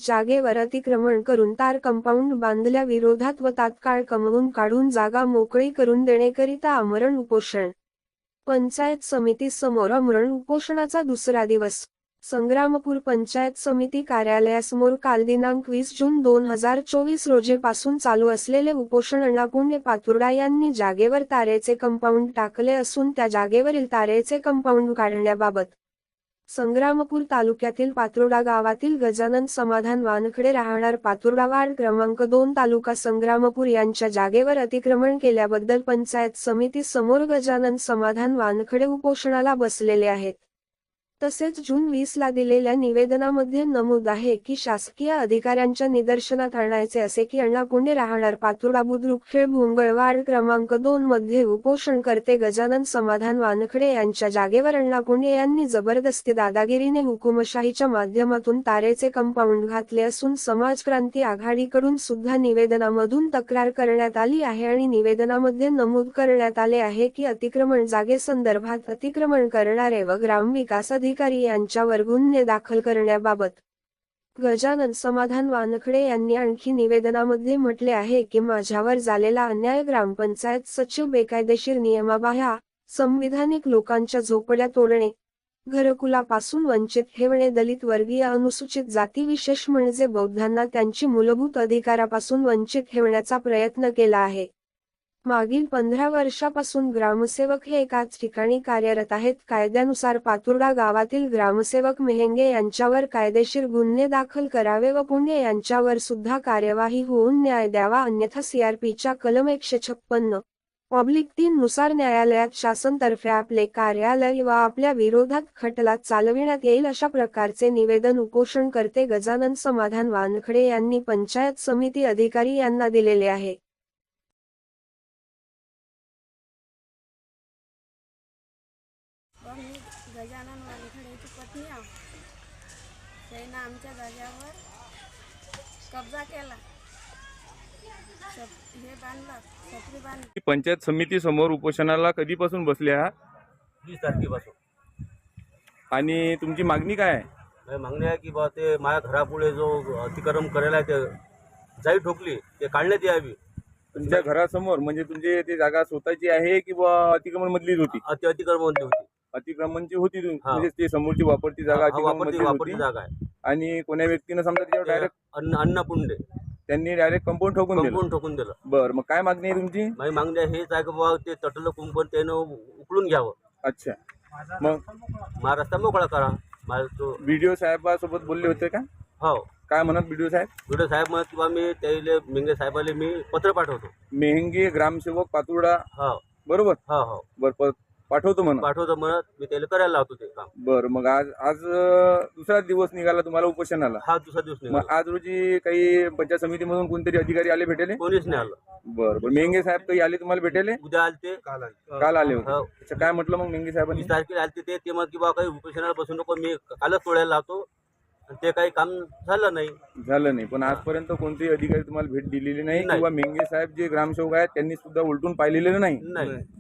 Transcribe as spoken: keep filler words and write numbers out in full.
जागेवर अतिक्रमण करून तार कंपाऊंड बांधल्या विरोधात व तात्काळ कमवून काढून जागा मोकळी करून देण्याकरिता आमरण उपोषण. पंचायत समिती समोर आमरण उपोषणाचा दुसरा दिवस. संग्रामपूर पंचायत समिती कार्यालयासमोर काल दिनांक वीस जून दोन हजार चोवीस रोजीपासून चालू असलेले उपोषण अण्णा पुंडे पातुर्डा यांनी जागेवर तारेचे कंपाऊंड टाकले असून त्या जागेवरील तारेचे कंपाऊंड काढण्याबाबत संग्रामपूर तालुक्यातील पातुर्डा गावातील गजानन समाधान वानखडे राहणार पातुर्डा वार्ड क्रमांक दोन तालुका संग्रामपूर यांच्या जागेवर अतिक्रमण केल्याबद्दल पंचायत समिती समोर गजानन समाधान वानखडे उपोषणाला बसलेले आहेत. तसेच जून वीस ला दिलेल्या निवेदनामध्ये नमूद आहे की शासकीय अधिकाऱ्यांच्या निदर्शनात आणायचे असे की अण्णा पुंडे राहणार पातुर्डा बुद्रुकखेड भुंगळ वार्ड क्रमांक दोन मध्ये उपोषणकर्ते गजानन समाधान वानखडे यांच्या जागेवर अण्णा पुंडे यांनी जबरदस्ती दादागिरीने हुकुमशाहीच्या माध्यमातून तारेचे कंपाऊंड घातले असून समाजक्रांती आघाडीकडून सुद्धा निवेदनामधून तक्रार करण्यात आली आहे आणि निवेदनामध्ये नमूद करण्यात आले आहे की अतिक्रमण जागेसंदर्भात अतिक्रमण करणारे व ग्रामविकास अधिकारी यांच्यावर गुन्हे दाखल करण्याबाबत गजानन समाधान वानखडे यांनी आणखी निवेदनामध्ये म्हटले आहे की माझ्यावर झालेला अन्याय ग्रामपंचायत सचिव बेकायदेशीर नियमाबाह्य संविधानिक लोकांच्या झोपड्या तोडणे, घरकुलापासून वंचित ठेवणे, दलित वर्गीय अनुसूचित जाती विशेष म्हणजे बौद्धांना त्यांची मूलभूत अधिकारापासून वंचित ठेवण्याचा प्रयत्न केला आहे. मागील पंधरा वर्षापासून ग्रामसेवक हे एकाच ठिकाणी कार्यरत आहेत. कायद्यानुसार पातुर्डा गावातील ग्रामसेवक मेहेंगे यांच्यावर कायदेशीर गुन्हे दाखल करावे व पुंडे यांच्यावर सुद्धा कार्यवाही होऊन न्याय द्यावा, अन्यथा सीआरपीच्या कलम एकशे छप्पन्न ऑब्लिक तीन नुसार न्यायालयात शासनातर्फे आपले कार्यालय व आपल्या विरोधात खटला चालविण्यात येईल, अशा प्रकारचे निवेदन उपोषणकर्ते गजानन समाधान वानखडे यांनी पंचायत समिती अधिकारी यांना दिलेले आहे. मी गजानन वानखडेची पत्नी आहे. त्यानं आमच्या जागेवर कब्जा केला, हे बांधलं, छत्री बांधली. पंचायत समिती समोर उपोषणाला कधीपासून बसले आहात? वीस तारखेपासून. आणि तुमची मागणी काय आहे? माझी मागणी आहे की बा ते माझ्या घरापुढे जो अतिक्रमण करायला ते जाई ठोकली ते काढण्यात यावी. तुमच्या घरासमोर म्हणजे तुमची ती जागा स्वतःची आहे की बा अतिक्रमण मधलीच होती? अति अतिक्रमण होती. अतिक्रमणची होती तुम- म्हणजे ती समोरची वापरती जागा हा, अतिक्रमण वापरती मधली वापरती होती. जागा आहे. आणि कोण्या व्यक्तीनं समजा त्याच्यावर डायरेक्ट अन्न अण्णा पुंडे त्यांनी डायरेक्ट कंपाऊंड ठोकून दिलं. कंपाऊंड ठोकून दिलं. बरं, मग काय मागणी आहे तुमची? माझी मागणी आहे हेच आहे की बाबा ते तटलं कुंपण त्यानं उकळून घ्यावं. अच्छा, मग माझा रस्ता मोकळा करा. माझा तो बीडीओ साहेबासोबत बोलले होते का? हो, काय म्हणत बीडीओ साहेब? व्हिडिओ साहेब म्हणत किंवा मी त्याला मेंगे साहेबाला मी पत्र पाठवतो. मेहंगी ग्रामसेवक पातुर्डा, हो बरोबर? हो हो बरं, पाठवतो म्हणा. पाठवतो म्हणत मी त्याला करायला लावतो ते काम. बरं, मग आज आज अं, दुसरा दिवस निघाला तुम्हाला उपोषणाला. हा दुसरा दिवस मग निघाला. आज रोजी काही पंचायत समितीमधून कोणतरी अधिकारी आले भेटेले? कोणीच नाही आलं. बरं बरं, मेंगे साहेब काही आले तुम्हाला भेटेले? उद्या आलते, काल आले होते. हो. अच्छा, काय म्हटलं मग मेंगे साहेबांनी? वीस तारखेला आलते ते ते मग की बा काही उपोषणाला बसू नको, मी कालच तोडायला लावतो. आणि ते काही काम झालं नाही. झालं नाही, पण आजपर्यंत कोणतेही अधिकारी तुम्हाला भेट दिलेली नाही नाही. किंवा मेंगे साहेब जे ग्रामसेवक आहेत त्यांनी सुद्धा उलटून पाहिलेलं नाही. नाही